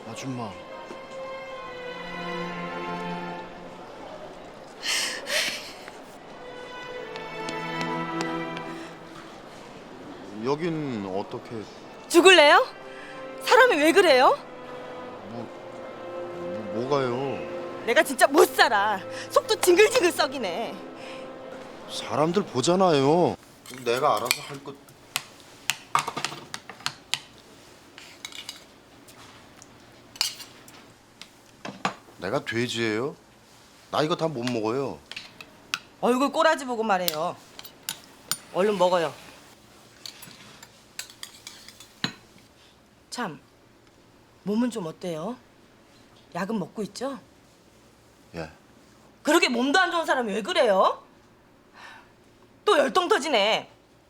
아줌마. 여긴 어떻게? 죽을래요? 사람이 왜 그래요? 뭐가요? 내가 진짜 못 살아. 속도 징글징글 썩이네. 사람들 보잖아요. 내가 알아서 할 것. 내가 돼지예요? 나 이거 다 못 먹어요. 얼굴 꼬라지 보고 말해요. 얼른 먹어요. 참, 몸은 좀 어때요? 약은 먹고 있죠? 예. 그렇게 몸도 안 좋은 사람이 왜 그래요? 또 열동 터지네.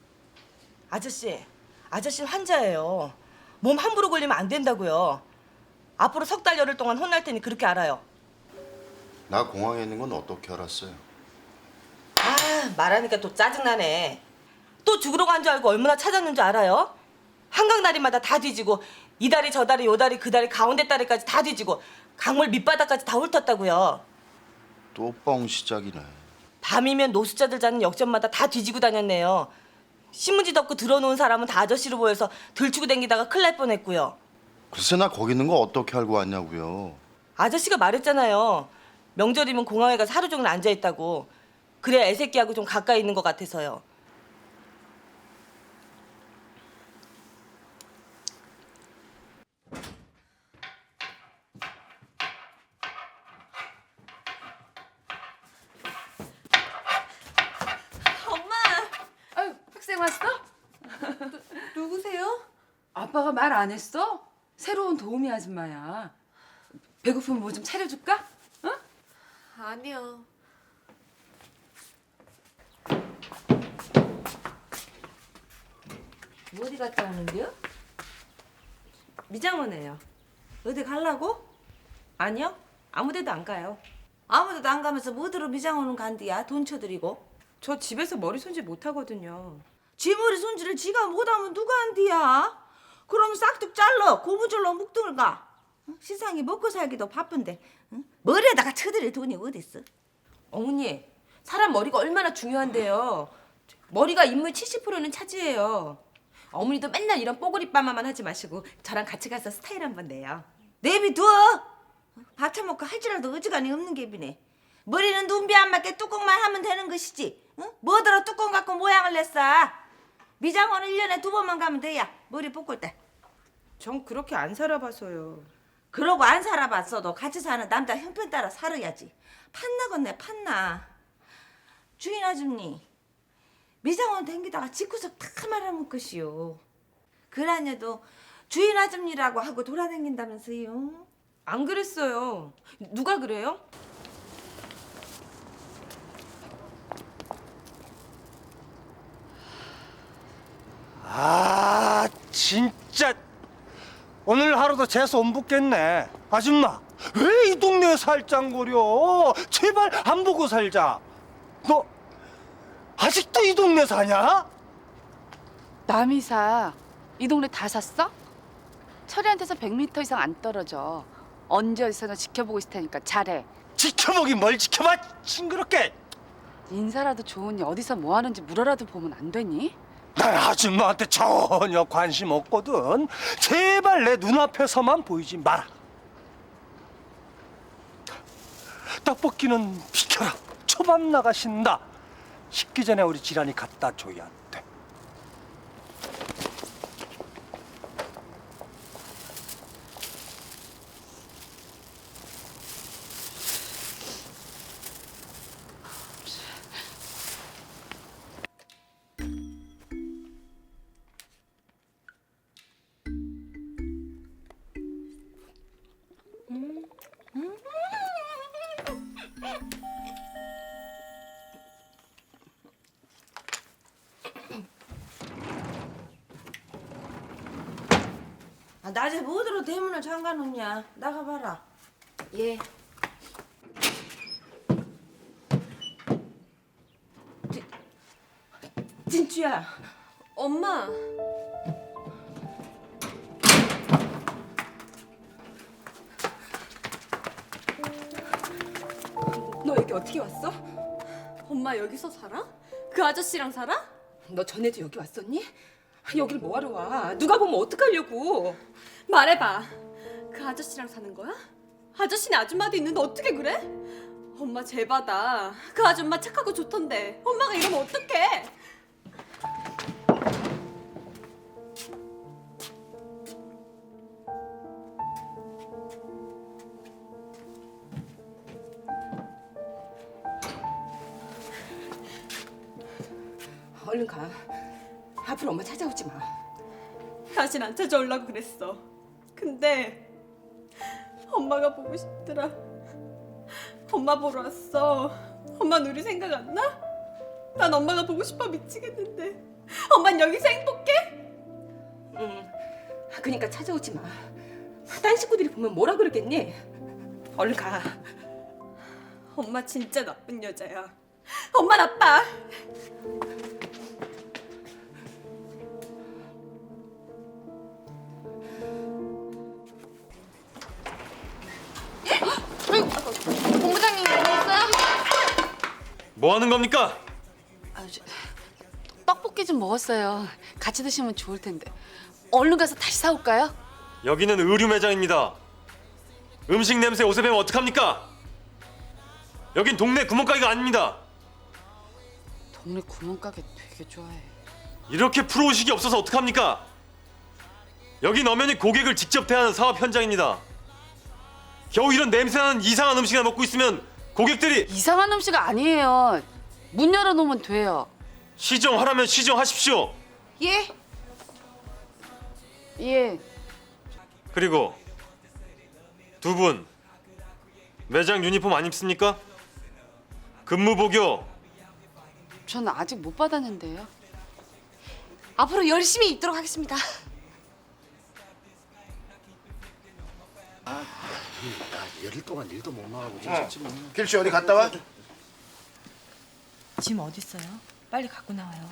아저씨는 환자예요. 몸 함부로 걸리면 안 된다고요. 앞으로 석 달 열흘 동안 혼날 테니 그렇게 알아요. 나 공항에 있는 건 어떻게 알았어요? 아, 말하니까 또 짜증나네. 또 죽으러 간 줄 알고 얼마나 찾았는 줄 알아요? 한강 다리마다 다 뒤지고 이 다리 저 다리 요 다리 그 다리 가운데 다리까지 다 뒤지고 강물 밑바닥까지 다 훑었다고요. 또 뻥 시작이네. 밤이면 노숙자들 자는 역전마다 다 뒤지고 다녔네요. 신문지 덮고 들어놓은 사람은 다 아저씨로 보여서 들추고 댕기다가 큰일 날 뻔했고요. 글쎄 나 거기 있는 거 어떻게 알고 왔냐고요. 아저씨가 말했잖아요. 명절이면 공항에 가서 하루 종일 앉아있다고. 그래야 애새끼하고 좀 가까이 있는 것 같아서요. 엄마! 아유, 학생 왔어? 누구세요? 아빠가 말 안 했어? 새로운 도우미 아줌마야. 배고프면 뭐 좀 차려줄까? 어? 아니요. 어디 갔다 오는데요? 미장원에요. 어디 가려고? 아니요. 아무데도 안 가요. 아무데도 안 가면서 뭐들어 미장원은 간디야? 돈 쳐드리고. 저 집에서 머리 손질 못 하거든요. 쥐머리 손질을 지가 못하면 누가 한디야? 그럼 싹둑 잘라 고무줄로 묶등을 가. 세상에 먹고 살기도 바쁜데 응? 머리에다가 쳐드릴 돈이 어딨어? 어머니, 사람 머리가 얼마나 중요한데요. 머리가 인물 70%는 차지해요. 어머니도 맨날 이런 뽀글이 빠마만 하지 마시고 저랑 같이 가서 스타일 한번 내요. 내비둬. 밥 처먹고 할 줄 알도 어지간히 없는 게비네. 머리는 눈비 안 맞게 뚜껑만 하면 되는 것이지. 응? 뭐더러 뚜껑 갖고 모양을 냈어. 미장원은 1년에 2번만 가면 돼야 머리 볶을 때. 전 그렇게 안 살아봐서요. 그러고 안 살아봤어도 같이 사는 남자 형편 따라 살아야지. 판나겠네 판나. 주인 아줌니 미장원 댕기다가 집구석 다 말아먹 것이요. 그라녀도 주인 아줌니라고 하고 돌아다닌다면서요. 안 그랬어요. 누가 그래요? 아 진짜 오늘 하루도 재수 못 붙겠네. 아줌마 왜 이 동네에 살짱거려? 제발 안 보고 살자. 너 아직도 이 동네 사냐? 남이사, 이 동네 다 샀어? 철이한테서 100m 이상 안 떨어져. 언제 어디서나 지켜보고 있을 테니까 잘해. 지켜보긴 뭘 지켜봐 징그럽게. 인사라도 좋으니 어디서 뭐 하는지 물어라도 보면 안 되니? 난 아줌마한테 전혀 관심 없거든. 제발 내 눈앞에서만 보이지 마라. 떡볶이는 비켜라. 초밥 나가신다. 식기 전에 우리 지란이 갖다 줘야 돼. 낮에 뭐더러 대문을 잠가놓냐. 나가봐라. 예. 진주야. 엄마. 어떻게 왔어? 엄마 여기서 살아? 그 아저씨랑 살아? 너 전에도 여기 왔었니? 여길 뭐하러 와? 누가 보면 어떡하려고? 말해봐. 그 아저씨랑 사는 거야? 아저씨네 아줌마도 있는데 어떻게 그래? 엄마 제바다. 그 아줌마 착하고 좋던데 엄마가 이러면 어떡해? 얼른 가. 앞으로 엄마 찾아오지 마. 다신 안 찾아오려고 그랬어. 근데 엄마가 보고 싶더라. 엄마 보러 왔어. 엄마는 우리 생각 안 나? 난 엄마가 보고 싶어 미치겠는데. 엄만 여기서 행복해? 응. 그러니까 찾아오지 마. 딴 식구들이 보면 뭐라 그러겠니? 얼른 가. 엄마 진짜 나쁜 여자야. 엄마 나빠. 본부장님 오셨어요? 뭐 하는 겁니까? 떡볶이 좀 먹었어요. 같이 드시면 좋을 텐데. 얼른 가서 다시 사올까요? 여기는 의류 매장입니다. 음식 냄새 옷에 배면 어떡합니까? 여긴 동네 구멍가게가 아닙니다. 동네 구멍가게 되게 좋아해. 이렇게 프로의식이 없어서 어떡합니까? 여긴 엄연히 고객을 직접 대하는 사업 현장입니다. 겨우 이런 냄새나는 이상한 음식을 먹고 있으면 고객들이 이상한 음식 아니에요. 문 열어놓으면 돼요. 시정하라면 시정하십시오. 예? 예. 그리고 두 분 매장 유니폼 안 입습니까? 근무복이요. 저는 아직 못 받았는데요. 앞으로 열심히 입도록 하겠습니다. 열일 동안 일도 못 나가고 진짜 뭐. 길씨 어디 갔다 와? 짐 어디 있어요? 빨리 갖고 나와요.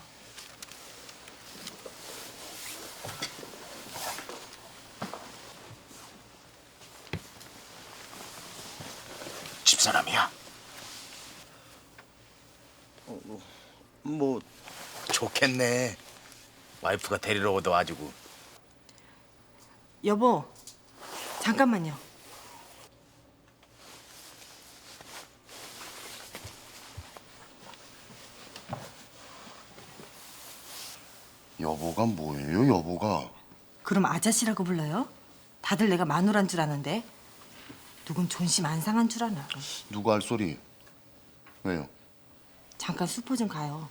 집사람이야? 뭐 좋겠네. 와이프가 데리러 오더가지고. 여보, 잠깐만요. 여보가 뭐예요, 여보가? 그럼 아저씨라고 불러요? 다들 내가 마누라인 줄 아는데 누군 존심 안 상한 줄 아나. 누가 할 소리? 왜요? 잠깐 슈퍼 좀 가요.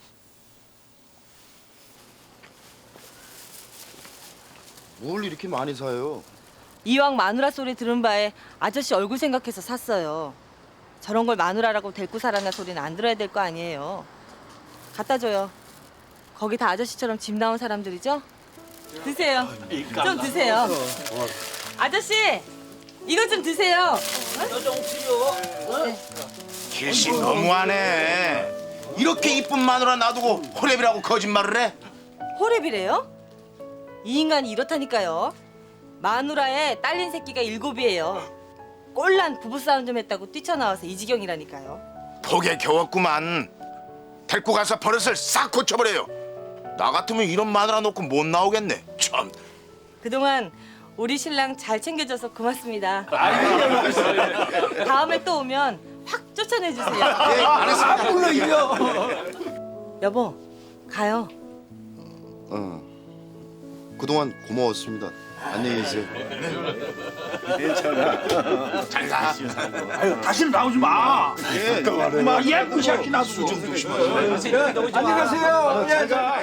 뭘 이렇게 많이 사요? 이왕 마누라 소리 들은 바에 아저씨 얼굴 생각해서 샀어요. 저런 걸 마누라라고 데리고 살아나 소리는 안 들어야 될 거 아니에요. 갖다 줘요. 거기 다 아저씨처럼 집 나온 사람들이죠? 드세요. 좀 드세요. 아저씨, 이거 좀 드세요. 길씨 너무하네. 이렇게 이쁜 마누라 놔두고 호랩이라고 거짓말을 해? 호랩이래요? 이 인간이 이렇다니까요. 마누라에 딸린 새끼가 7이에요. 꼴난 부부싸움 좀 했다고 뛰쳐나와서 이 지경이라니까요. 복에 겨웠구만. 데리고 가서 버릇을 싹 고쳐버려요. 나 같으면 이런 마누라 놓고 못 나오겠네. 참. 그동안 우리 신랑 잘 챙겨줘서 고맙습니다. 다음에 또 오면 확 쫓아내주세요. 알았습니다. 여보, 가요. 그동안 고마웠습니다. 안녕히 계세요. 잘 가. 다시는 나오지 마. 예, 예쁜 새끼 놔두고. 안녕하세요. 잘 가.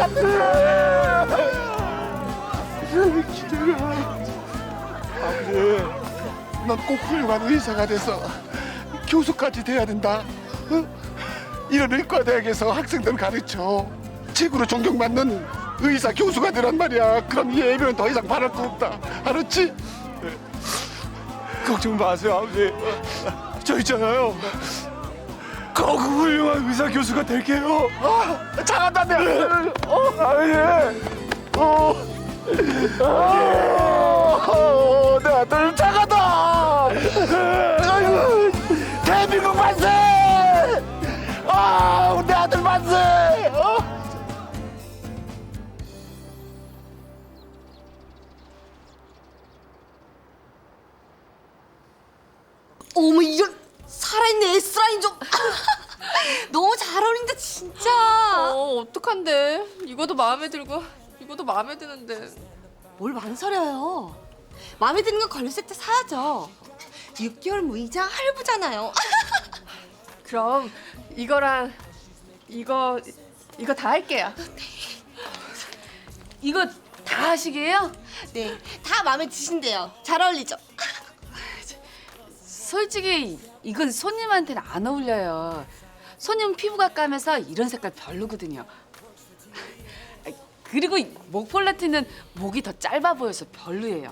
넌 꼭 훌륭한 의사가 돼서 교수까지 돼야 된다. 이런 의과대학에서 학생들 가르쳐 최고로 존경받는 의사 교수가 되란 말이야. 그럼 이 애비는 더 이상 바랄 거 없다. 알았지? 걱정 마세요, 아버지. 저 있잖아요. 꼭 훌륭한 의사 교수가 될게요. 잘한다 내 아들. 내 아들 잘한다. 아이고, 대한민국 만세! 내 아들 만세! 어머 이런 살아있는 S라인 좀 너무 잘 어울린다 진짜. 어떡한데? 이거도 마음에 들고 이거도 마음에 드는데. 뭘 망설여요. 마음에 드는 거 걸렸을 때 사야죠. 6개월 무이자 할부잖아요. 그럼 이거랑 이거 다 할게요. 이거 다 하시게요? 네, 다 마음에 드신대요. 잘 어울리죠? 솔직히 이건 손님한테는 안 어울려요. 손님 피부가 까매서 이런 색깔 별로거든요. 그리고 목폴라티는 목이 더 짧아 보여서 별로예요.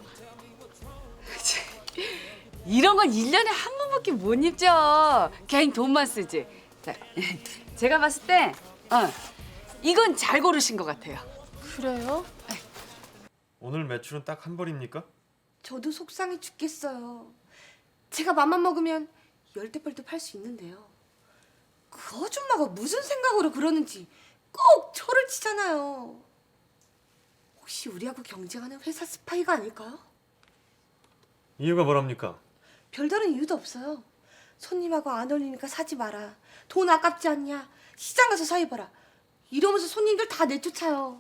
이런 건 1년에 한 번밖에 못 입죠. 괜히 돈만 쓰지. 자, 제가 봤을 때 이건 잘 고르신 것 같아요. 그래요? 오늘 매출은 딱 한 벌입니까? 저도 속상해 죽겠어요. 제가 맘만 먹으면 10대벌도 팔 수 있는데요. 그 아줌마가 무슨 생각으로 그러는지 꼭 저를 치잖아요. 혹시 우리하고 경쟁하는 회사 스파이가 아닐까요? 이유가 뭐랍니까? 별다른 이유도 없어요. 손님하고 안 어울리니까 사지 마라. 돈 아깝지 않냐? 시장 가서 사입어라. 이러면서 손님들 다 내쫓아요.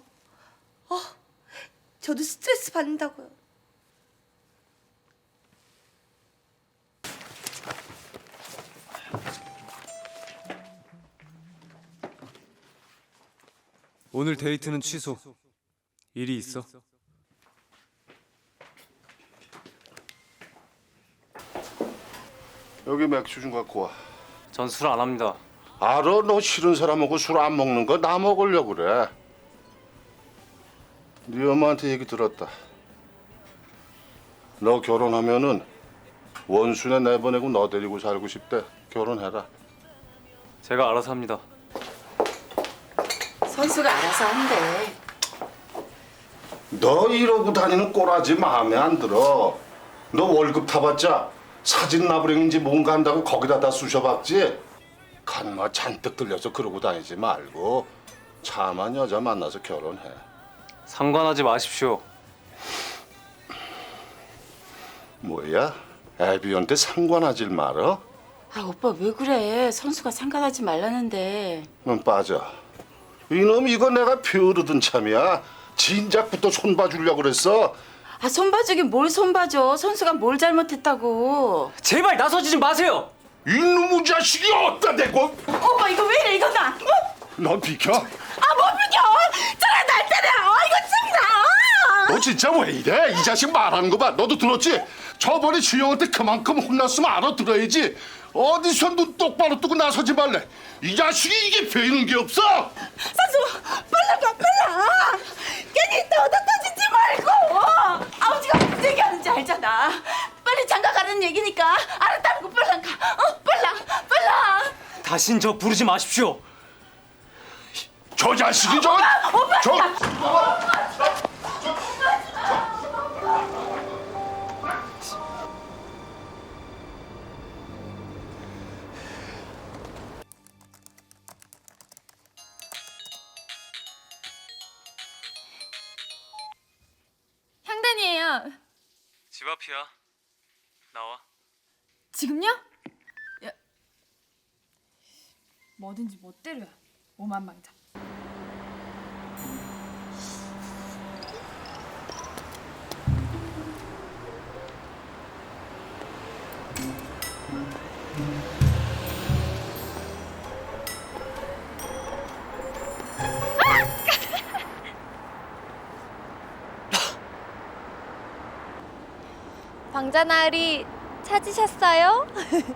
저도 스트레스 받는다고요. 오늘 데이트는 취소. 일이 있어. 여기 맥주 좀 갖고 와. 전 술 안 합니다. 알아, 너 싫은 사람하고 술 안 먹는 거 나 먹으려고 그래. 네 엄마한테 얘기 들었다. 너 결혼하면은 원순에 내보내고 너 데리고 살고 싶대. 결혼해라. 제가 알아서 합니다. 선수가 알아서 한대. 너 이러고 다니는 꼬라지 마음에 안 들어. 너 월급 타봤자 사진 나부랭인지 뭔가 한다고 거기다 다 쑤셔박지. 간마 잔뜩 들려서 그러고 다니지 말고 참한 여자 만나서 결혼해. 상관하지 마십시오. 뭐야? 애비한테 상관하질 말어? 오빠 왜 그래? 선수가 상관하지 말라는데. 넌 빠져. 이놈 이거 내가 벼르던 참이야. 진작부터 손봐주려고 그랬어. 손봐주긴 뭘 손봐줘. 선수가 뭘 잘못했다고. 제발 나서지 마세요. 이놈의 자식이 어디다 대고. 오빠 이거 왜 이래? 이거 나. 넌 비켜. 못 비켜. 저랑 날 때려. 이거 짱이다. 너 진짜 왜 이래? 이 자식 말하는 거 봐. 너도 들었지? 저번에 주영한테 그만큼 혼났으면 알아들어야지. 어디서 눈 똑바로 뜨고 나서지 말래. 이 자식이 이게 배이는 게 없어. 선수 빨라 가 빨라. 괜히 떠지지 말고. 아버지가 무슨 얘기하는지 알잖아. 빨리 장가 가는 얘기니까 알았다는 거 빨랑 가. 빨랑. 다신 저 부르지 마십시오. 저 자식이 저. 향단이에요. 집 앞이야. 나와. 지금요? 야, 뭐든지 멋대로야. 오만망자. 방자나으리 찾으셨어요?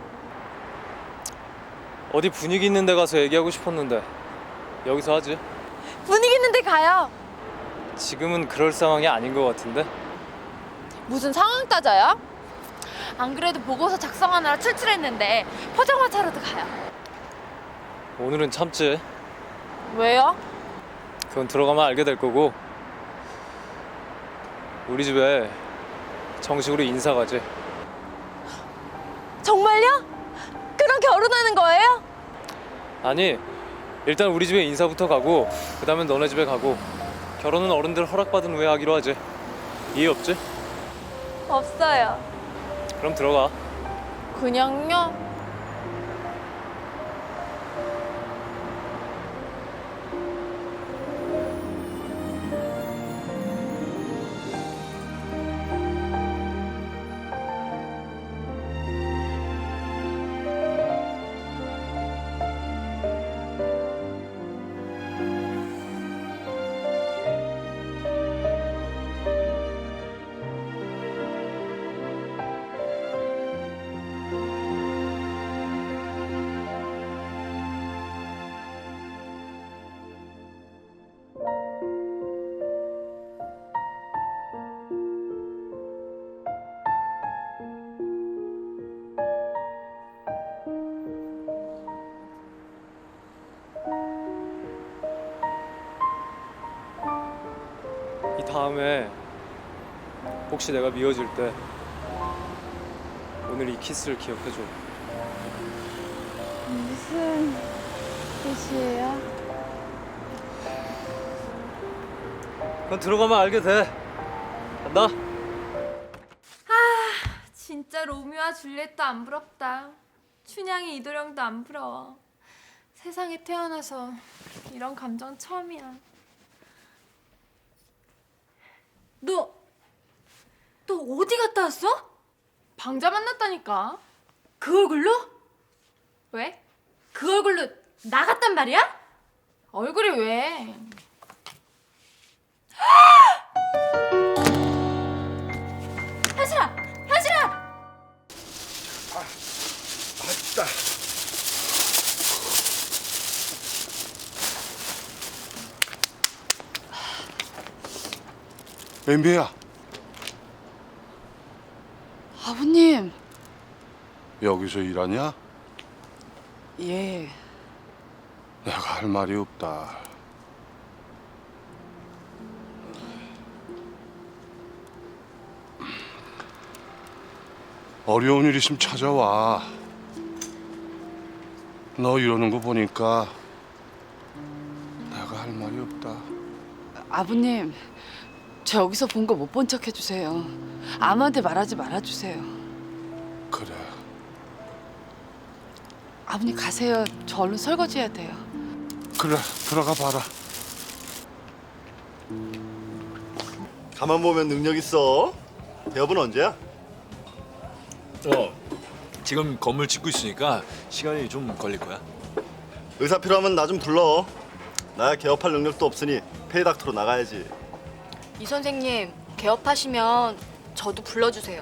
어디 분위기 있는 데 가서 얘기하고 싶었는데 여기서 하지. 분위기 있는데 가요. 지금은 그럴 상황이 아닌 것 같은데. 무슨 상황 따져요? 안 그래도 보고서 작성하느라 출출했는데 포장마차로도 가요. 오늘은 참지. 왜요? 그건 들어가면 알게 될 거고. 우리 집에 정식으로 인사 가지. 정말요? 그럼 결혼하는 거예요? 아니, 일단 우리 집에 인사부터 가고 그 다음엔 너네 집에 가고 결혼은 어른들 허락받은 후에 하기로 하지. 이해 없지? 없어요. 그럼 들어가. 그냥요? 이 다음에 혹시 내가 미워질 때 오늘 이 키스를 기억해줘. 무슨 뜻이에요? 그건 들어가면 알게 돼. 간다. 진짜 로미오와 줄리엣도 안 부럽다. 춘향이 이도령도 안 부러워. 세상에 태어나서 이런 감정 처음이야. 너 어디 갔다 왔어? 방자 만났다니까. 그 얼굴로? 왜? 그 얼굴로 나갔단 말이야? 얼굴이 왜? 현실아! 현실아! 아따. 엠비야, 아버님. 여기서 일하냐? 예. 내가 할 말이 없다. 어려운 일 있으면 찾아와. 너 이러는 거 보니까 내가 할 말이 없다. 아버님, 저 여기서 본 거 못 본 척 해주세요. 아무한테 말하지 말아주세요. 그래. 아버님 가세요. 저 얼른 설거지 해야 돼요. 그래, 들어가 봐라. 가만 보면 능력 있어. 대업은 언제야? 지금 건물 짓고 있으니까 시간이 좀 걸릴 거야. 의사 필요하면 나 좀 불러. 나야 개업할 능력도 없으니 페이닥터로 나가야지. 이 선생님 개업하시면 저도 불러주세요.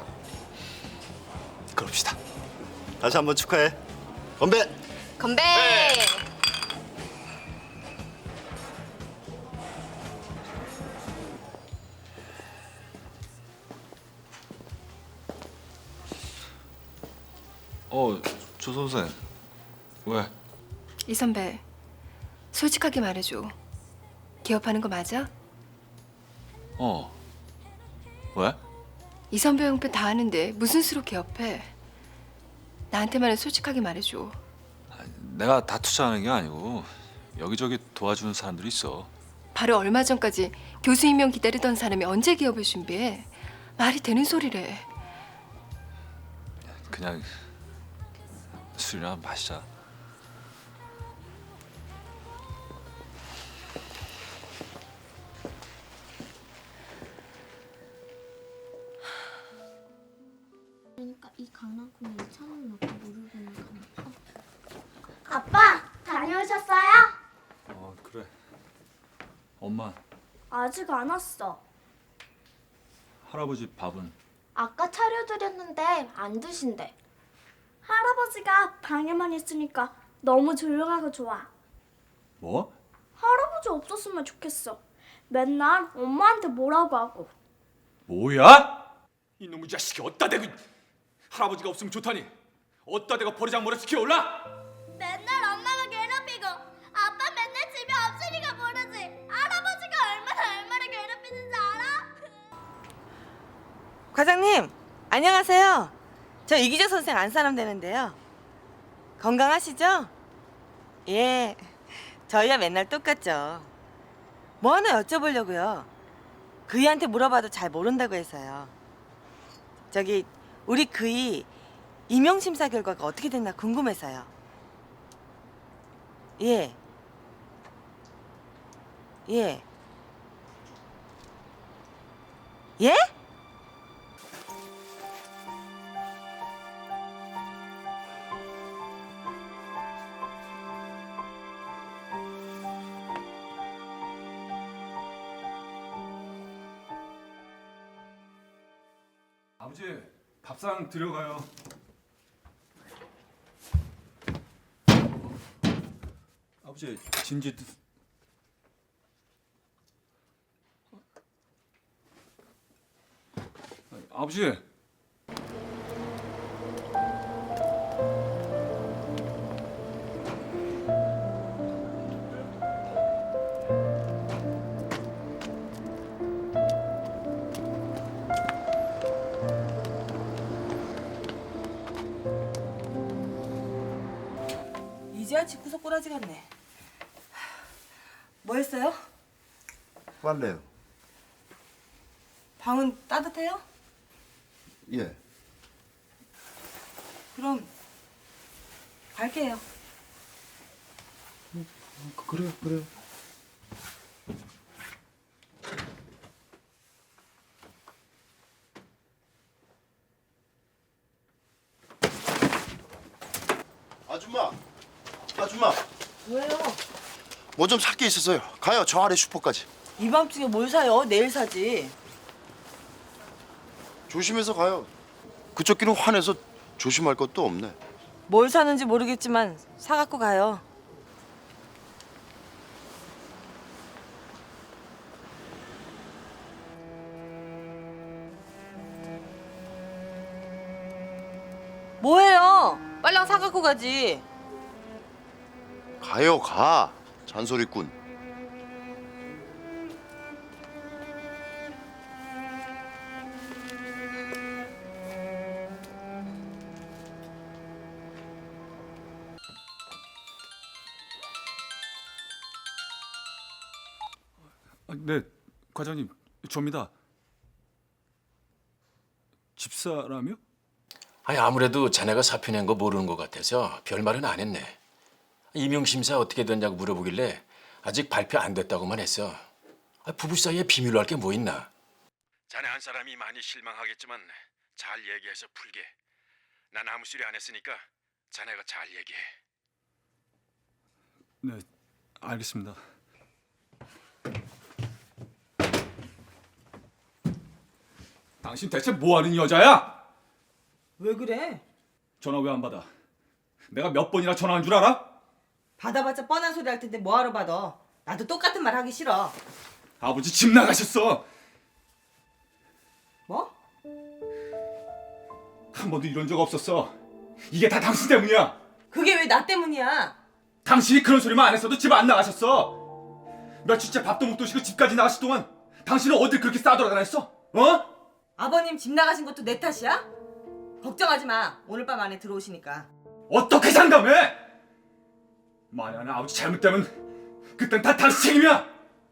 그럽시다. 다시 한번 축하해. 건배. 건배! 조 선생. 왜? 이 선배, 솔직하게 말해줘. 개업하는 거 맞아? 왜? 이 선배 형편 다 아는데 무슨 수로 개업해? 나한테만은 솔직하게 말해줘. 내가 다 투자하는 게 아니고 여기저기 도와주는 사람들이 있어. 바로 얼마 전까지 교수 임명 기다리던 사람이 언제 개업을 준비해? 말이 되는 소리래. 그냥 술이나 마시자. 그러니까 이 강낭콩에 2,000원 넣고 물을 부으면 가나? 아빠 다녀오셨어요? 그래. 엄마, 아직 안 왔어. 할아버지 밥은? 아까 차려드렸는데 안 드신대. 할아버지가 방에만 있으니까 너무 조용하고 좋아. 뭐? 할아버지 없었으면 좋겠어. 맨날 엄마한테 뭐라고 하고. 뭐야? 이놈의 자식이 어디다 대고 할아버지가 없으면 좋다니 어디다 대고 버리장머리 시켜올라? 맨날 엄마가 괴롭히고 아빠 맨날 집에 없으니까 모르지. 할아버지가 얼마나 괴롭히는지 알아? 과장님, 안녕하세요. 저 이기재 선생 안사람 되는데요. 건강하시죠? 예, 저희야 맨날 똑같죠. 뭐 하나 여쭤보려고요. 그이한테 물어봐도 잘 모른다고 해서요. 저기 우리 그이 임용심사 결과가 어떻게 됐나 궁금해서요. 예. 예. 예? 아버지 밥상 들어가요. 아버지 진지 아버지. 이제야 집구석 꼬라지 같네. 뭐 했어요? 빨래요. 방은 따뜻해요? 예. 그럼 갈게요. 그래요. 아줌마. 왜요? 뭐 좀 살 게 있어서요. 가요. 저 아래 슈퍼까지. 이 밤중에 뭘 사요? 내일 사지. 조심해서 가요. 그쪽 길은 환해서 조심할 것도 없네. 뭘 사는지 모르겠지만 사갖고 가요. 뭐해요? 빨랑 사갖고 가지. 가요, 가. 잔소리꾼. 네, 과장님, 접니다. 집사라며? 아니 아무래도 자네가 사표 낸 거 모르는 것 같아서 별말은 안 했네. 임용심사 어떻게 됐냐고 물어보길래 아직 발표 안 됐다고만 했어. 부부 사이에 비밀로 할 게 뭐 있나? 자네 한 사람이 많이 실망하겠지만 잘 얘기해서 풀게. 난 아무 소리 안 했으니까 자네가 잘 얘기해. 네, 알겠습니다. 당신 대체 뭐 하는 여자야? 왜 그래? 전화 왜 안 받아? 내가 몇 번이나 전화한 줄 알아? 받아봤자 뻔한 소리 할 텐데 뭐하러 받아? 나도 똑같은 말 하기 싫어. 아버지 집 나가셨어. 뭐? 한 번도 이런 적 없었어. 이게 다 당신 때문이야. 그게 왜 나 때문이야? 당신이 그런 소리만 안 했어도 집 안 나가셨어. 며칠째 밥도 못 드시고 집까지 나가실 동안 당신은 어딜 그렇게 싸돌아다녔어? 어? 아버님 집 나가신 것도 내 탓이야? 걱정하지 마. 오늘 밤 안에 들어오시니까. 어떻게 장담해? 만약에 아버지 잘못되면 그땐 다 당신 책임이야.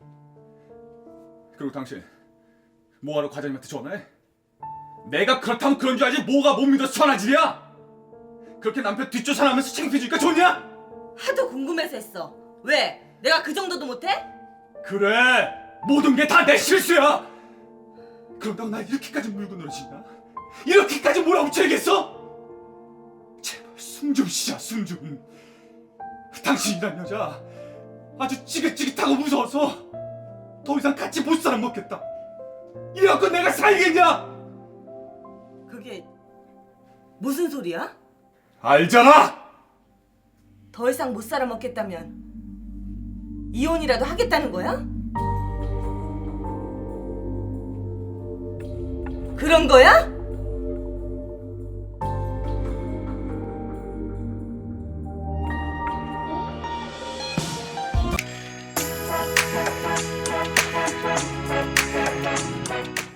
그리고 당신 뭐하러 과장님한테 전화해? 내가 그렇다면 그런 줄 알지 뭐가 못 믿어서 전화질이야? 그렇게 남편 뒷조사하면서 창피해주니까 좋냐? 하도 궁금해서 했어. 왜? 내가 그 정도도 못해? 그래, 모든 게 다 내 실수야. 그런다고 날 이렇게까지 물고 늘어지나? 이렇게까지 몰아붙여야겠어? 제발 숨 좀 쉬자, 숨 좀. 당신이란 여자 아주 찌긋찌긋하고 무서워서 더 이상 같이 못 살아 먹겠다. 이래갖고 내가 살겠냐? 그게 무슨 소리야? 알잖아. 더 이상 못 살아 먹겠다면 이혼이라도 하겠다는 거야? 그런 거야?